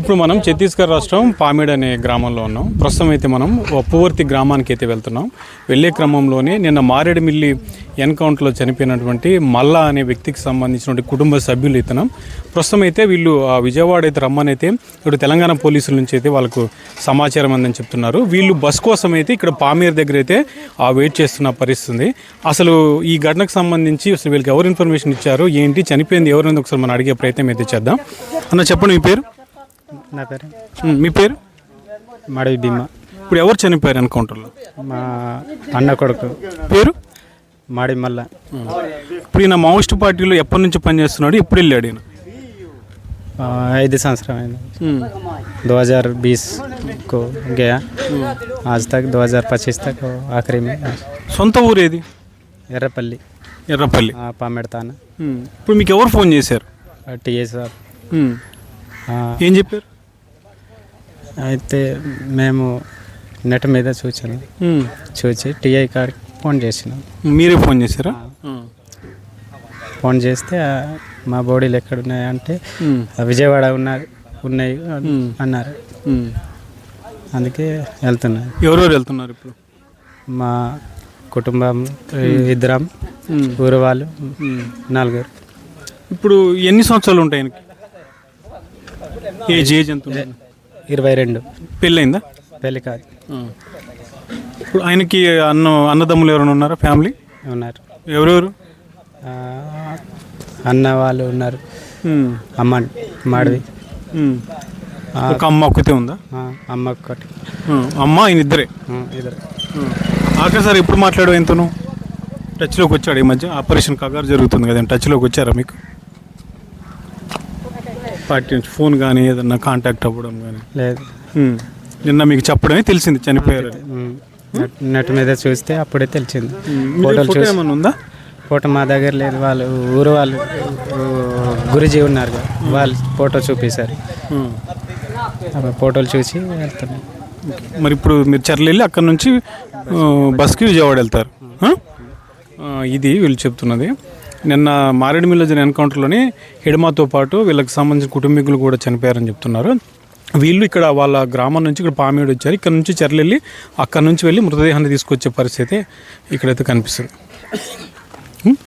ఇప్పుడు మనం ఛత్తీస్గఢ్ రాష్ట్రం పామేడ్ అనే గ్రామంలో ఉన్నాం. ప్రస్తుతం అయితే మనం ఉప్పువర్తి గ్రామానికి అయితే వెళ్తున్నాం. వెళ్ళే క్రమంలోనే నిన్న మారేడుమిల్లి ఎన్కౌంటర్లో చనిపోయినటువంటి మల్లా అనే వ్యక్తికి సంబంధించినటువంటి కుటుంబ సభ్యులు ఇతనం. ప్రస్తుతం అయితే వీళ్ళు విజయవాడ అయితే రమ్మని అయితే ఇప్పుడు తెలంగాణ పోలీసుల నుంచి అయితే వాళ్ళకు సమాచారం అందని చెప్తున్నారు. వీళ్ళు బస్ కోసం అయితే ఇక్కడ పామేర్ దగ్గర అయితే వెయిట్ చేస్తున్న పరిస్థితి. అసలు ఈ ఘటనకు సంబంధించి అసలు వీళ్ళకి ఎవరు ఇన్ఫర్మేషన్ ఇచ్చారు, ఏంటి, చనిపోయింది ఎవరైనా ఒకసారి మనం అడిగే ప్రయత్నం అయితే చేద్దాం. అన్న చెప్పండి, మీ పేరు? నా పేరు మీ పేరు? మడవి భీమా. ఇప్పుడు ఎవరు చనిపోయారు ఎన్కౌంటర్లో? మా అన్న కొడుకు పేరు మాడి మల్ల. ఇప్పుడు ఈయన మావోయిస్ట్ పార్టీలో ఎప్పటి నుంచి పనిచేస్తున్నాడు, ఎప్పుడు వెళ్ళాడు ఈయన? 5 సంవత్సరం అయింది. 2020 को गया, आज तक 2025 तक आखिरी में. సొంత ఊరేది? ఎర్రపల్లి. ఎర్రపల్లి. పామెడతాన. ఇప్పుడు మీకు ఎవరు ఫోన్ చేశారు? TA sir. ఏం చెప్పారు? అయితే మేము నెట్ మీద చూసి టీఐ కార్డ్కి ఫోన్ చేసినాం. మీరే ఫోన్ చేశారా? ఫోన్ చేస్తే మా బాడీలు ఎక్కడ ఉన్నాయంటే విజయవాడ ఉన్నాయి అన్నారు. అందుకే వెళ్తున్నారు. ఎవరెవరు వెళ్తున్నారు ఇప్పుడు? మా కుటుంబం 2, ఊరు వాళ్ళు 4. ఇప్పుడు ఎన్ని సంవత్సరాలు ఉంటాయి ఆయనకి? ఏజ్ ఎంత? 22. పెళ్ళయిందా? పెళ్ళి కాదు. ఇప్పుడు ఆయనకి అన్నదమ్ములు ఎవరైనా ఉన్నారా? ఫ్యామిలీ ఉన్నారు. ఎవరెవరు? అన్న వాళ్ళు ఉన్నారు. అమ్మ మాడవి. ఒక అమ్మ ఒక్కతే ఉందా? అమ్మ ఒక్కటి. అమ్మ ఆయన ఇద్దరు. ఆఖరిసారి ఎప్పుడు మాట్లాడు ఎంతను? టచ్లోకి వచ్చాడు ఈ మధ్య? ఆపరేషన్ కగారు జరుగుతుంది కదా, టచ్లోకి వచ్చారా మీకు? పార్టీ నుంచి ఫోన్ కానీ ఏదన్నా కాంటాక్ట్ అవ్వడం కానీ? లేదు. నిన్న మీకు చెప్పడమే తెలిసింది చనిపోయారు. నెట్ మీద చూస్తే అప్పుడే తెలిసింది. ఫోటో ఏమన్నా ఉందా? ఫోటో మా దగ్గర లేదు. వాళ్ళు ఊరు వాళ్ళు గురుజీ ఉన్నారు కదా, వాళ్ళు ఫోటో చూపించారు. ఫోటోలు చూసి వెళ్తున్నాం. మరి ఇప్పుడు మీరు చర్ల వెళ్ళి అక్కడ నుంచి బస్కి విజయవాడ వెళ్తారు. ఇది వీళ్ళు చెప్తున్నది. నిన్న మారేడుమిల్లి జరిగిన ఎన్కౌంటర్లోని హిడమాతో పాటు వీళ్ళకి సంబంధించిన కుటుంబీకులు కూడా చనిపోయారని చెప్తున్నారు. వీళ్ళు ఇక్కడ వాళ్ళ గ్రామం నుంచి ఇక్కడ పామేడు వచ్చారు. ఇక్కడ నుంచి చర్ల వెళ్ళి అక్కడ నుంచి వెళ్ళి మృతదేహాన్ని తీసుకొచ్చే పరిస్థితి ఇక్కడైతే కనిపిస్తుంది.